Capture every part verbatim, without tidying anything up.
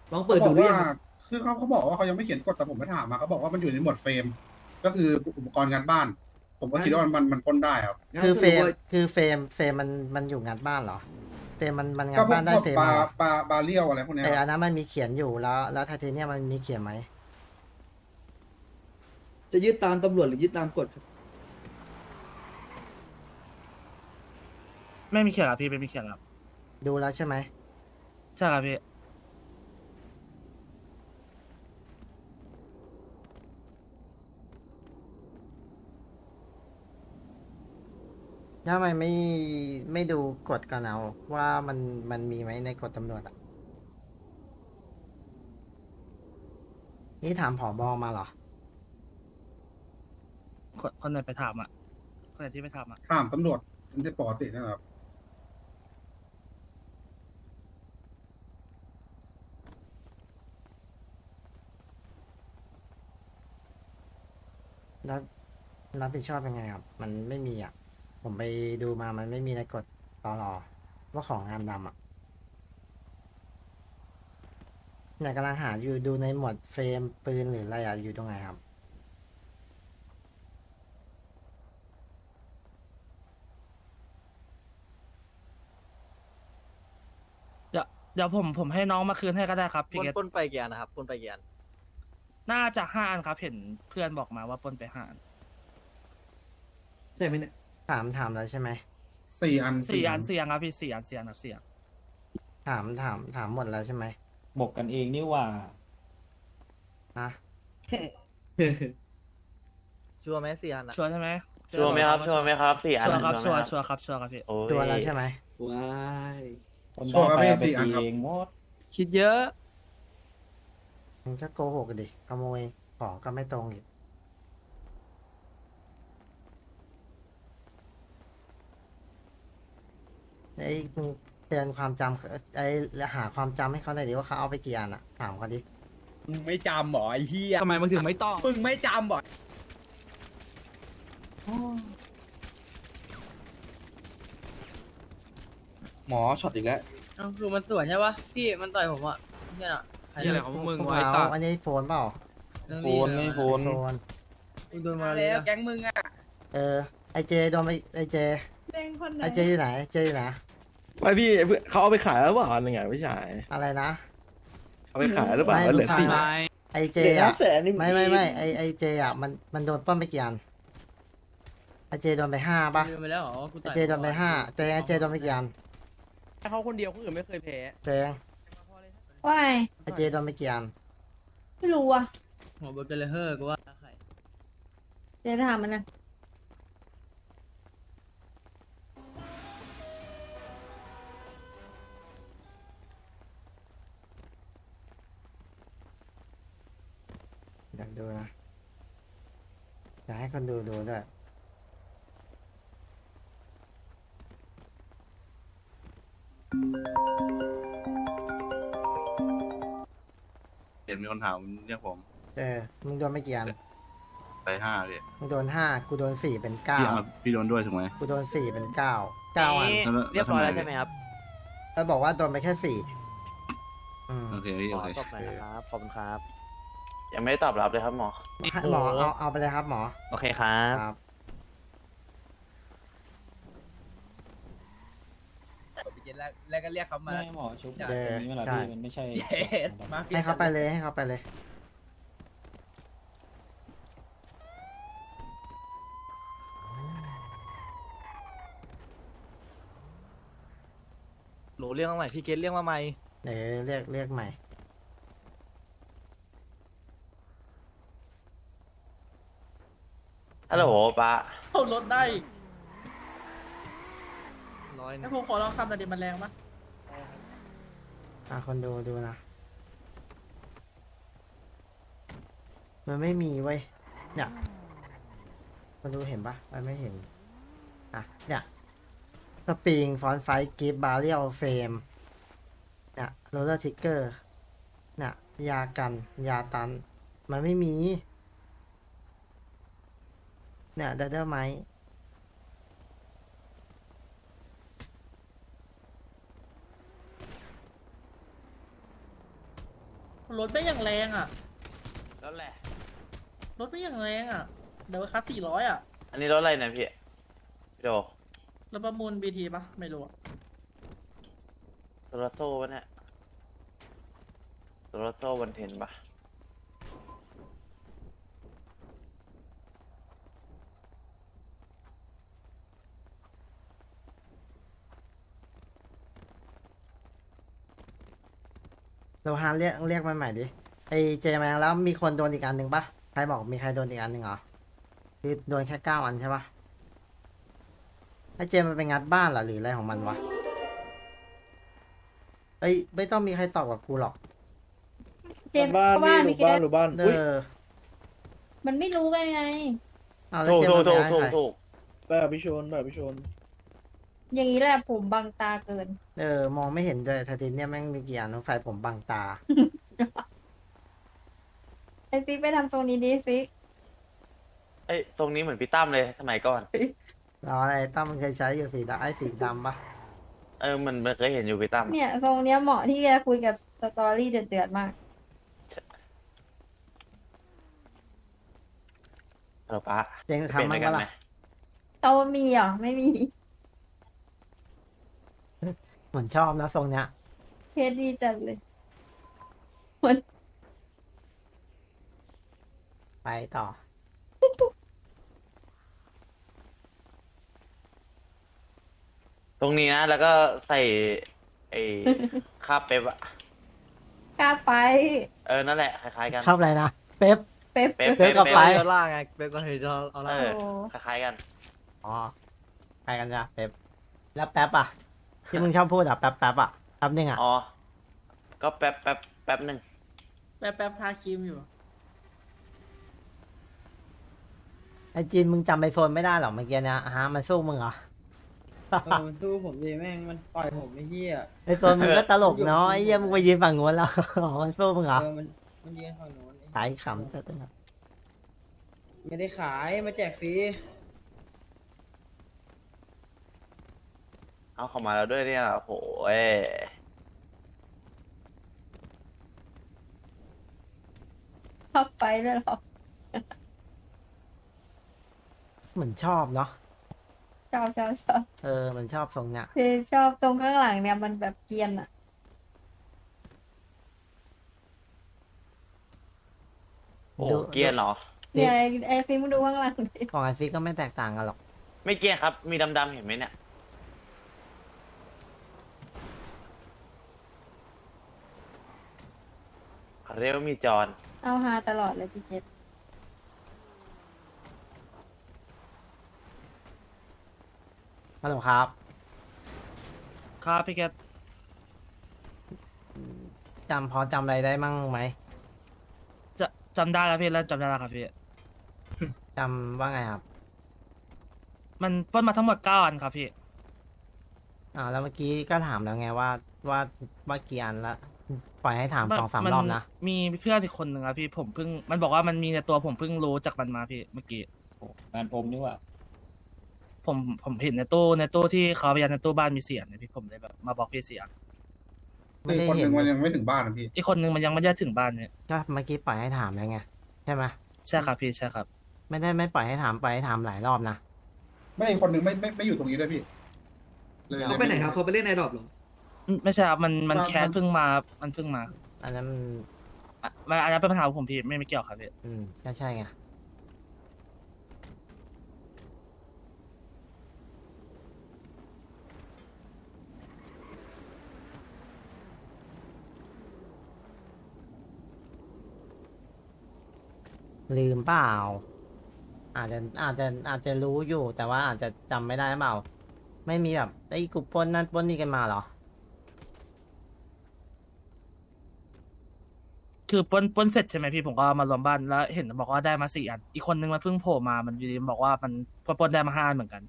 ลองเปิดเขาบอกว่าดูหรือยังครับคือเขาเขาบอกว่าเขายังไม่เขียนกฎแต่ผมไม่ถามมาเขาบอกว่ามันอยู่ในหมวดเฟรมก็คืออุปกรณ์งานบ้านผมก็งั้นคิดว่ามันมันมันปล้นได้ครับงั้นคือเฟรมสรุปว่าคือเฟรมเฟรมมันมันอยู่งานบ้านเหรอเฟรมมันมันก็งานบ้านได้พวกพวกบาเฟรมมาเหรอบาบาเรียวอะไรพวกเนี้ยแต่ครับอันนั้นมันมีเขียนอยู่แล้วแล้วไทเทเนียมมันมีเขียนไหมจะยึดตามตำรวจหรือยึดตามกฎครับไม่มีเขียนครับพี่ไม่มีเขียนครับดูแล้วใช่ไหมใช่ครับพี่ถ้าทำไมไม่ไม่ดูกฎก่อนเอาว่ามันมันมีไหมในกฎตำรวจอ่ะนี่ถามผอบอมาเหรอคนคนไหนไปถามอ่ะคนไหนที่ไปถามอ่ะถามตำรวจมันจะปกตินะครับแล้วรับผิดชอบยังไงครับ มันไม่มีอ่ะ ผมไปดูมามันไม่มีในกฎตอรอว่าของงานดำอ่ะเนี่ยกำลังหาอยู่ดูในหมวดเฟรมปืนหรืออะไรอ่ะอยู่ตรงไหนครับเดี๋ยวเดี๋ยวผมผมให้น้องมาคืนให้ก็ได้ครับพี่ปล้นเกตปล้นไปกี่อันนะครับปล้นไปกี่อันน่าจะห้าอันครับเห็นเพื่อนบอกมาว่าปล้นไปห้าอันใช่ไหมเนี่ยถามถามแล้วใช่ไหมสี่อันสี่อันสี่อันครับพี่สี่อันสี่อันครับสี่อันถามถามถามหมดแล้วใช่ไหมบอกกันเองนี่หว่าฮะชัวร์ไหมสี่อันอะชัวร์ใช่ไหมชัวร์ไหมครับชัวร์ไหมครับสี่อันชัวร์ครับชัวร์ไหมชัวร์ครับชัวร์ครับพี่โอ้ยตัวแล้วใช่ไหมว้ายคนชัวร์ครับได้พี่ไปเอาไปสี่อันตีครับเองหมดคิดเยอะมึงก็โกหกดิขโมยของก็ไม่ตรงอีกไอ้มึงเตือนความจำไอ้หาความจำให้เขาหน่อยดิว่าเขาเอาไปกี่อันอะถามเขาดิมึงไม่จำหรอไอ้เหี้ยทำไมมึงถึงไม่ต้องมึงไม่จำหรอหมอช็อตอีกแล้วเอ้าคือมันสวนใช่ปะพี่มันต่อยผมอะเนี่ยน่ะใครนี่อะไรของมึงพวกวะไอ้เราสัสอันนี้โฟนเปล่าเรื่องโฟนไม่โฟนโฟนมึงโดนมามาเลแล้ยวแก๊งมึงอ่ะเออไอเจโดนไปไอเจเป็นคนไหนไอเจอยู่ไหนเจอยู่ไหนไม่พี่เขาเอาไปขายหรือเปล่าอันหนึ่งอ่ะพี่ชายอะไรนะเอาไปขายหรือเปล่าแล้วเหลือสี่ไอเจเหลืออะแสนนี่ไม่ไม่ไม่ไอไอเจอะมันมันโดนปล้นไปกี่อันไอเจโดนไปห้าป่ะลืมไปแล้วเหรอว่ากูไอต่อยเจโดนไปห้าเจไอเจโดนไปกี่อันเขาคนเดียวคนอื่นไม่เคยแพ้เจงว่าไงไอเจโดนไปกี่อันไม่รู้อ่ะหัวเบอร์เกอร์เลเฮอร์กูว่าใครเดี๋ยวถามมันนะอยากดูนะอยากให้คนดูดูด้วยเห็นมีคนถามเรียกผมเออมึงโดนไปกี่อันไปห้าเลยมึงโดนห้ากูโดนสี่เป็นเก้าพี่พี่โดนด้วยถูกไหมกูโดนสี่เป็นเก้าเก้าอันเรียบร้อยแล้วใช่ไหมครับแล้วบอกว่าโดนไปแค่สี่อืมโอเคพี่ขโออเคตบหน่อยนะครับขอบคุณครับยังไม่ได้ตอบรับเลยครับหมอให้หมอเอาเอาไปเลยครับหมอโอเคครับครับแล้วแล้วก็เรียกเขามาไม่หมอชุบแบบนี้เวลาพี่มันไม่ใช่เย็ดมาให้เขาไปเลยให้เขาไปเลยหนูเรียกมาใหม่พี่เกตเรียกมาใหม่เดี๋ยวเรียกเรียกใหม่ฮัลโหลป้าเอารถได้ร้อยหนึให้งผมขอลองคำแต่ดิมันแรงปะอ่ะคนดูดูนะ มันไม่มีเว้ยเนี่ยคนดูเห็นปะมันไม่เห็น อ่ะ เนี่ยสปริงฟอนไฟกิฟบาเรียลเฟมเนี่ยโรลเลอร์ทิกเกอร์เนี่ยยากัน ยาตัน มันไม่มี เนี่ยเดอร์ไมรถไม่อย่างแรงอ่ะรถแหละรถไม่อย่างแรงอ่ะ เดี๋ยวคัสสี่ร้อยอ่ะอันนี้รถอะไรเนี่ยพี่พี่โดแล้วประมูลบีทีปะไม่รู้อะโซลาโซ่ปะเนี่ยโซลาโซ่วันเทนปะโลฮานเรียกเรียกมาใหม่ดิไอเจมาแล้วมีคนโดนอีกอันหนึ่งปะใครบอกมีใครโดนอีกอันหนึ่งเหรอคือโดนแค่เก้าอันใช่ปะไอเจมันไปงัดบ้านเหรอหรืออะไรของมันวะเอ้ยไม่ต้องมีใครตอบกับกูหรอกเจมส์บ้านบ้านมีแค่เออมันไม่รู้กันไงเอาแล้วถูกเจถูมักนไปถูกให้ถูกใครถูกแบบพิชนแบบพิชนอย่างนี้แหละผมบังตาเกินเออมองไม่เห็นเลยทาตินเนี่ยแม่งมีกี่อันไฟผมบังตาไอฟิกไปทำทรงนี้ดิฟิกเอ้ยตรงนี้เหมือนพี่ตั้มเลยสมัยก่อนรออะไรตั้มมันเคยใช้อยู่สีดำไอ้สีดำปะเออมันมันเคยเห็นอยู่พี่ตั้มเนี่ยทรงเนี้ยเหมาะที่จะคุยกับสตอรี่เดือดๆมากเออป้าเจงจะทำเป็นมั้ด้วยกันงปะไหมล่ะเอามีเหรอไม่มีเหมือนชอบนะทรงเนี้ยเทสดีจัดเลยไปต่อตรงนี้นะ แล้วก็ใส่ไอ้ คาบเป๊ปอะกล้าไปเออนั่นแหละคล้ายๆกันชอบอะไรนะเป๊ปเป๊ปเป๊ปเป๊ปกับไปเดี๋ยวล่างไงเป๊ปก็เฮ้ยเราเอาเอล่างอโอ้คล้ายๆกันอ๋อไปกันจ้ะเป๊ปแล้วแป๊บอ่ะ ที่มึงชอบพูดอ่ะแป๊บแป๊บอ่ะแป๊บนึงอ่ะอ๋อ ก็แป๊บแป๊บแป๊บหนึ่งแป๊บแป๊บทาครีมอยู่ไอจีนมึงจำไอโฟนไม่ได้หรอเมื่อกี้เนี้ยฮะมันสู้มึงเหรอเออมันสู้ผมดีแม่งมันต่อยผมไอ้เหี้ยไอโฟนมึงก็ตลกเนาะไอเหี้ยมึงไปยืนฝั่งนู้นแล้ว อ๋อมันสู้มึงเหรอเออมันมันยืนฝั่งโน้นไอ้ตายขำจัดเลยไม่ได้ขายมาแจกฟรีเอาเข้ามาแล้วด้วยเนี่ยโอ้โหเอ้ยชอบไปด้วยเหรอเหมือนชอบเนาะชอบชอบชอบเออมันชอบทรงเนี้ยคือชอบตรงข้างหลังเนี่ยมันแบบเกรียนอะโอ้โหเกรียนเหรอเนี่ยไอ้ไอฟิกมึงดูข้างหลังดิของไอฟิกก็ไม่แตกต่างกันหรอกไม่เกรียนครับ มีดำๆเห็นไหมเนี่ย เรียกว่ามีจอนเอาฮาตลอดเลยพี่เจษฮัลโหลครับครับพี่แกตจำพอจำอะไรได้มั่งไหมจะจำได้แล้วพี่แล้วจำได้แล้วครับพี่จำว่าไงครับมันปล้นมาทั้งหมดเก้าอันครับพี่อ่าแล้วเมื่อกี้ก็ถามแล้วไงว่าว่าว่ากี่อันละปล่อยให้ถามสองสามนรอบนะมีเพื่อนอีกคนหนึ่งครับพี่ผมเพิ่งมันบอกว่ามันมีในตัวผมเพิ่งรู้จากมันมาพี่เมื่อกี้งานผมนี่หว่าผมผมเห็นในตู้ในตู้ที่เขาพยานในตู้บ้านมีเสียงเนี่ยพี่ผมเลยแบบมาบอกพี่เสียงไม่คือได้คนหเห็นึ่นงมันยังไม่ถึงบ้านนะพี่อีกคนนึงมันยังไม่ได้ถึงบ้านเนี่ยก็เมื่อกี้ปล่อยให้ถามแล้วไงใช่ไหมใช่ครับพี่ใช่ครับไม่ได้ไม่ปล่อยให้ถามปล่อยให้ถามหลายรอบนะไม่อีกคนหนึ่งไม่ไม่ไม่อยู่ตรงนี้ด้วยพี่เลยเขาไปไหนครับเขาไปเล่นไอดอปหรออืมไม่ใช่ครับมันมันมันแคสเพิ่งมามันเพิ่งมาอันนั้นมันอ่ะมันอันนั้นเป็นปัญหาของผมพี่ไม่ไม่เกี่ยวครับพี่อืมก็ใช่ไงลืมเปล่า อาจจะอาจจะอาจจะรู้อยู่ แต่ว่าอาจจะจำไม่ได้เปล่า ไม่มีแบบไอ้ยกูปล้นนั่นปล้นนี่กันมาเหรอคือปล้นปล้นเสร็จใช่ไหมพี่ผมก็มารวมบ้านแล้วเห็นบอกว่าได้มาสี่อัน อีกคนนึงมันเพิ่งโผล่มามันอยู่ดีมันบอกว่ามันปล้นปล้นได้มาห้าอันเหมือนกัน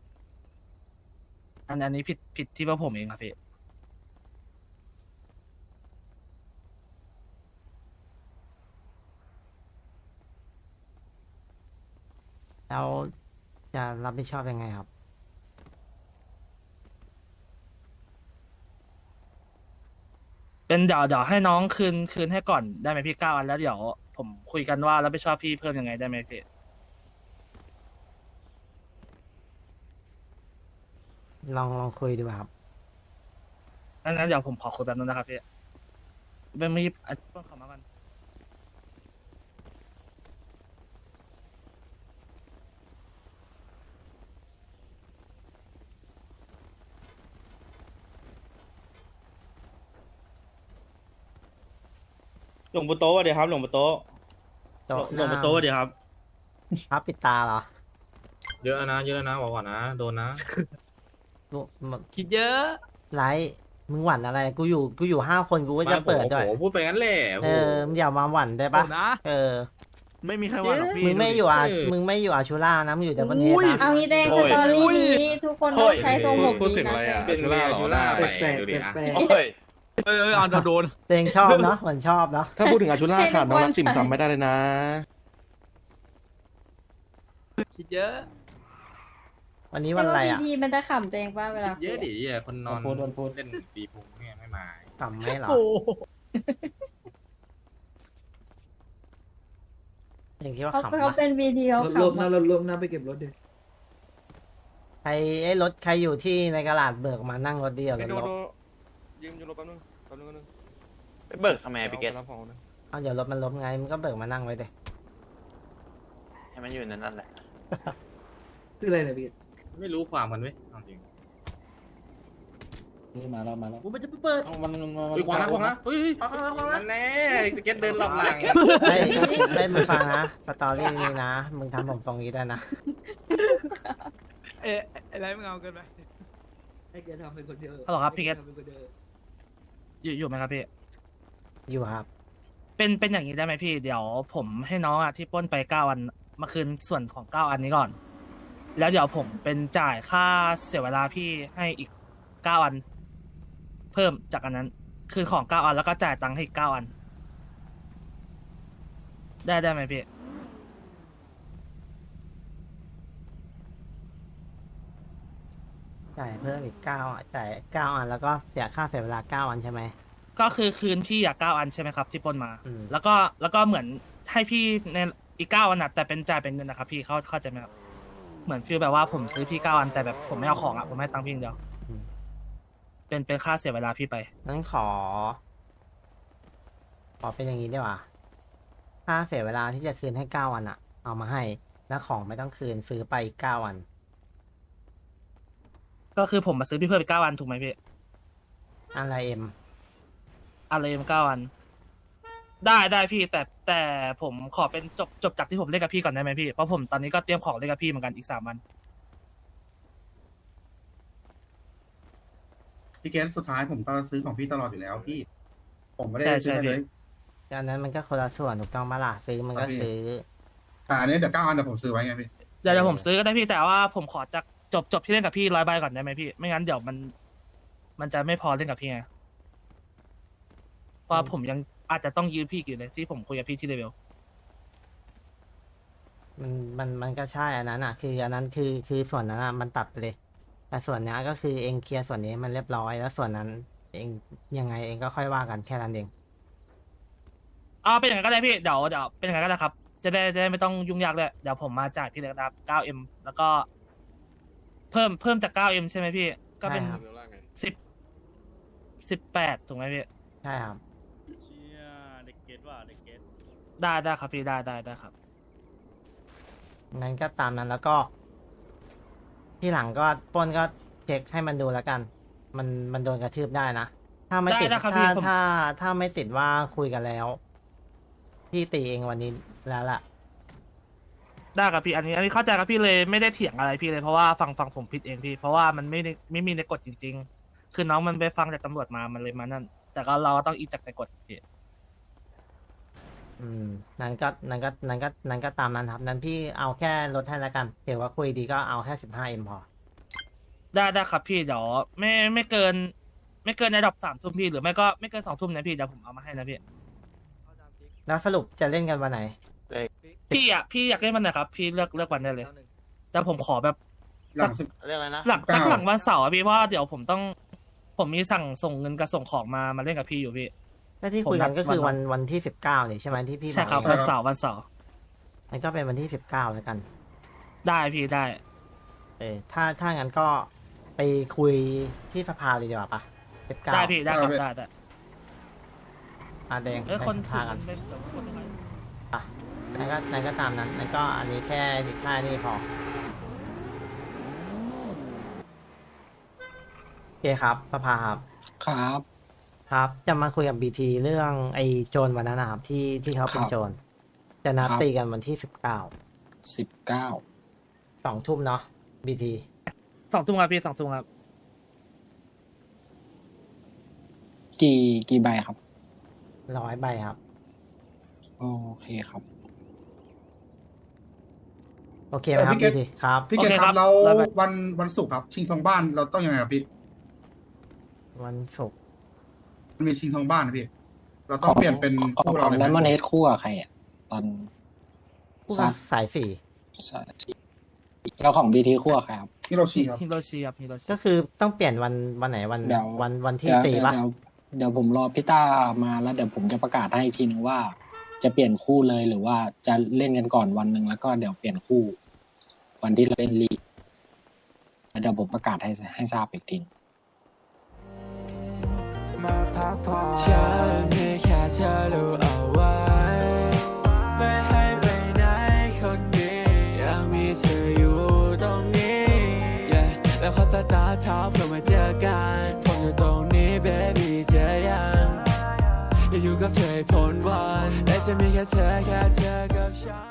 อันอันนี้ผิดผิดที่ว่าผมเองครับพี่แล้วจะรับผิดชอบยังไงครับกเป็นเดี๋ยวเดี๋ยวให้น้องคืนคืนให้ก่อนได้ไหมพี่เก้าอันแล้วเดี๋ยวผมคุยกันว่ารับผิดชอบพี่เพิ่มยังไงได้ไหมพี่ลองลองคุยดูครับงั้นเดี๋ยวผมขอคุยแบบนั้นนะครับพี่เป็นมีอันต้องขอมากันหลวงปู่โต๊ะเดี๋ยวครับหลวงปู่โต๊ะโต๊ะหลวงปู่โต๊ะเดี๋ยวครับพับปิดตาเหรอเยอะนะเยอะนะบอกก่อนนะโดนนะลูกมันคิดเยอะไรมึงหวั่นอะไร กูอยู่กูอยู่ห้าคนกูก็จะเปิดด้วยพูดไปงั้นแหละเออมึงอย่ามาหวั่นได้ปะนะเออไม่มีใครว่าหรอกพี่มึงไม่อยู่อามึงไม่อยู่อาชูล่านะมึงอยู่แต่บนเทสนะเอางี้แดงสตอรี่นี้ทุกคนต้องใช้ทรงผมพูดนี้ถึงนะอะไรอ่ะเป็นชูล่าหรอหน้าแปแปลลกกๆดูดิอ่ะแปลกโอ้ยเออเออเอาโดนตัวเองชอบเนาะเหมือนชอบเนาะถ้าพูดถึงอาชุล่าขาดน้องรักติ่มซำไม่ได้เลยนะคิดเยอะวันนี้ๆวันอะไรแต่อ่ะว่าพีทีมันจะขำตัวเองป่ะเวลาเยอะคุดิยอ่ะคนนอนพูดพูดเล่นตีพุงเนี่ยไม่มากำไม่เหรอเองคิดว่าเขาขำเขาปะเป็นวีทีเขารถลมขำนะอะรถลมนะไปเก็บรถดิใครไอ้รถใครอยู่ที่ในกระดาษเบิกมานั่งรถเดียวรไอ้ถโดลบโดยืมยืมรถแป๊บนึงแป๊บนึงแป๊บนึงไปเบิกทำไมพี่เกตอาไปรับของนะเอาเดี๋ยวรถมันล้มไงมึงก็เบิกมานั่งไว้เดยให้มันอยู่ในนั่นแหละคืออะไรเนี่ยพี่ไม่รู้ความกันเว้ยเอาจริงนี่มาแล้วมาแล้วกูมันจะไปเปิดเอามันมันมันอุ้ยขวางนะขวางนะเฮ้ยขวางนะขวางนะนั่นแน่พี่เกตเดินหลับหลังเฮ้ยเฮ้ยมึงฟังนะสตอรี่นี้นะมึงทำผมทรงนี้ได้นะเอ๊ะอะไรมึงเอาเกินไปให้แกทำเป็นคนเดียวฮัลโหลครับพี่เกตให้แทำเป็นคนเดียวอยู่อยู่ไหมครับพี่อยู่ครับเป็นเป็นอย่างนี้ได้ไหมพี่ เดี๋ยวผมให้น้องอ่ะที่ปล้นไปเก้าอันมาคืนส่วนของเก้าอันนี้ก่อน แล้วเดี๋ยวผมเป็นจ่ายค่าเสียเวลาพี่ให้อีกเก้าอัน เพิ่มจากอันนั้น คือของเก้าอันแล้วก็จ่ายตังค์ให้อีกเก้าอัน ได้ได้ไหมพี่จ่ายเพิ่มอีกเก้าอ่ะจ่ายเก้าอันแล้วก็เสียค่าเสียเวลาเก้าอันใช่ไหมก็คือคืนพี่อ่ะเก้าอันใช่ไหมครับ ที่ปล้นมาอืมแล้วก็แล้วก็เหมือนให้พี่ในอีกเก้าอันนะแต่เป็นจ่ายเป็นเงินนะครับ พี่เข้าเข้าใจไหมครับเหมือนฟีลแบบว่าผมซื้อพี่เก้าอันแต่แบบผมไม่เอาของอ่ะผมให้ตังค์พี่อย่างเดียวอืมเป็นเป็นค่าเสียเวลาพี่ไปงั้นขอ ขอเป็นอย่างนี้ดีกว่าค่าเสียเวลาที่จะคืนให้เก้าอันอ่ะ เอามาให้ แล้วของไม่ต้องคืนซื้อไปอีกเก้าอันก็คือผมมาซื้อพี่เพิ่มไปเก้าอันถูกไหมพี่อะไรเอ็มอะไรมเก้าอัน ได้ได้พี่แต่แต่ผมขอเป็นจบจบจากที่ผมเล่นกับพี่ก่อนได้ไหมพี่เพราะผมตอนนี้ก็เตรียมของเล่นกับพี่เหมือนกันอีกสามวันพี่เกตสุดท้ายผมก็ซื้อของพี่ตลอดอยู่แล้วพี่ ผมไม่ได้ใช่ซื้อใช่ให้เลยอันนั้นมันก็คนละส่วนถูกต้องมาล่ะซื้อมันก็ซื้อแต่อันนี้เดี๋ยวเก้าอันเดี๋ยวผมซื้อไว้ไงพี่เดี๋ยวเดี๋ยวผมซื้อก็ได้พี่แต่ว่าผมขอจากจบจบที่เล่นกับพี่ร้อยใบก่อนได้ไหมพี่ไม่งั้นเดี๋ยวมัน มันจะไม่พอเล่นกับพี่ไงเพราะผมยังอาจจะต้องยืมพี่อีกอยู่เลยที่ผมคุยกับพี่ที่เลเวลมันมันมันก็ใช่อันนั้นอ่ะ คืออันนั้นคือคือส่วนนั้นอ่ะมันตัดไปเลย แต่ส่วนนี้ก็คือเองเคลียร์ส่วนนี้มันเรียบร้อยแล้วส่วนนั้น เองยังไงเองก็ค่อยว่ากันแค่นั้นเองเอาเป็นอย่างนั้นก็ได้พี่เดี๋ยวเดี๋ยวเป็นอย่างนั้นก็ได้ครับ จะได้จะได้ไม่ต้องยุ่งยากเลยเดี๋ยวผมมาจ่ายพี่เลยครับ เก้าเอ็ม แล้วก็ เพิ่มเพิ่มจาก เก้าเอ็ม ใช่ไหมพี่ ก็เป็นใช่ครับสิบ สิบแปดถูกไหมพี่ใช่ครับเชี่ยเด็กเกตว่ะเด็กเกตได้ได้ครับพี่ได้ได้ได้ครับนั้นก็ตามนั้นแล้วก็ ที่หลังก็ปล้นก็เช็คให้มันดูแล้วกัน มันมันโดนกระทืบได้นะ ถ้าไม่ติดได้นะครับถ้าพี่ผมถ้าถ้าไม่ติดว่าคุยกันแล้ว พี่ตีเองวันนี้แล้วล่ะได้ครับพี่อันนี้อันนี้เข้าใจครับพี่เลยไม่ได้เถียงอะไรพี่เลยเพราะว่าฟังฟังผมผิดเองพี่ เพราะว่ามันไม่ได้ไม่มีในกฎจริง ๆ คือน้องมันไปฟังจากตำรวจมามันเลยมานั่น แต่ก็เราก็ต้องอีกจากในกฎพี่อืมนั้นก็นั้นก็นั้นก็นั้นก็ตามนั้นครับ นั้นพี่เอาแค่ลดให้แล้วกันถือว่าคุยดีก็เอาแค่สิบห้าเอ็มพอได้ได้ครับพี่เดี๋ยวไม่ไม่เกิน ไม่เกินในดอกสามทุ่มพี่หรือไม่ก็ไม่เกินสองทุ่มนะพี่เดี๋ยวผมเอามาให้นะพี่แล้วสรุปจะเล่นกันวันไหนพี่อ่ะพี่อยากเล่นวันไหนครับพี่เลือกเลือกวันได้เลย แต่ผมขอแบบหลังสิบเรื่องอะไรนะหลังเก้าตั้งหลังวันเสาร์อะพี่เพราะว่าเดี๋ยวผมต้อง ผมมีสั่งส่งเงินกับส่งของมามาเล่นกับพี่อยู่พี่ก็ที่คุยกันก็คือวันวันที่สิบเก้านี่ใช่ไหมที่พี่ใช่ครับอกวันเสาร์วันเสาร์มันก็เป็นวันที่สิบเก้าแล้วกันได้พี่ได้เออถ้าถ้างั้นก็ไปคุยที่สภาเลยดีกว่าปะสิบเก้าได้พี่ได้ครับได้ได้อาแดงเอ้ยไปคนสถืภาอกันเป็นแบบคนยังไงนั่นก็นั่นก็ตามนั้นนั่นก็อันนี้แค่สิบห้านี่พอโอเคครับสภาครับครับครับ จะมาคุยกับบีทีเรื่องไอ้โจรวันนั้นนะครับที่ที่เขาเป็นครับโจรจะนัดครับตีกันวันที่สิบเก้าสิบเก้าสองทุ่มเนาะบีทีสองทุ่มครับพี่สองทุ่มครับกี่กี่ใบครับร้อยใบครับโอเคครับโอเคไหมครับเออพี่บีเกตทีครับพี่เกโอตเคคครัรับบ แล้วแล้วไปวันวันศุกร์ครับ ชิงทองบ้านเราต้องยังไงครับพี่วันศุกร์มันมีชิงทองบ้านนะพี่ เราต้องเปลี่ยนเป็นของคู่ขเราองเลยไดมอนไหมเฮดคู่กับใครอ่ะ ตอนผู้ทราว่าบสายสี่ใช่แล้วของบีทีคู่กับใครครับฮิโรชิครับฮิโรชิครับฮิโรชิก็คือต้องเปลี่ยนวันวันไหนวันเดี๋ยววันวันที่เดี๋ยวตีเดี๋ยวปะเดี๋ยวเดี๋ยวผมรอพี่ต้ามาแล้วเดี๋ยวผมจะประกาศให้อีกทีนึงว่า จะเปลี่ยนคู่เลยหรือว่าจะเล่นกันก่อนวันหนึ่งแล้วก็เดี๋ยวเปลี่ยนคู่ วันที่เราเล่นลีกแล้วเดี๋ยวผมประกาศให้ให้ทราบอีกทีมาพักผ่อนฉันมีแค่เธอรู้เอาไว้ไม่ให้ไปไหนคนดีอยากมีเธออยู่ตรงนี้ yeah. แล้วขอสตาร์ทเช้าเพื่อมาเจอกันผมอยู่ตรงนี้ baby เจอยังอยากอยู่กับเธอให้พ้นวันและจะมีแค่เธอแค่เธอกับฉัน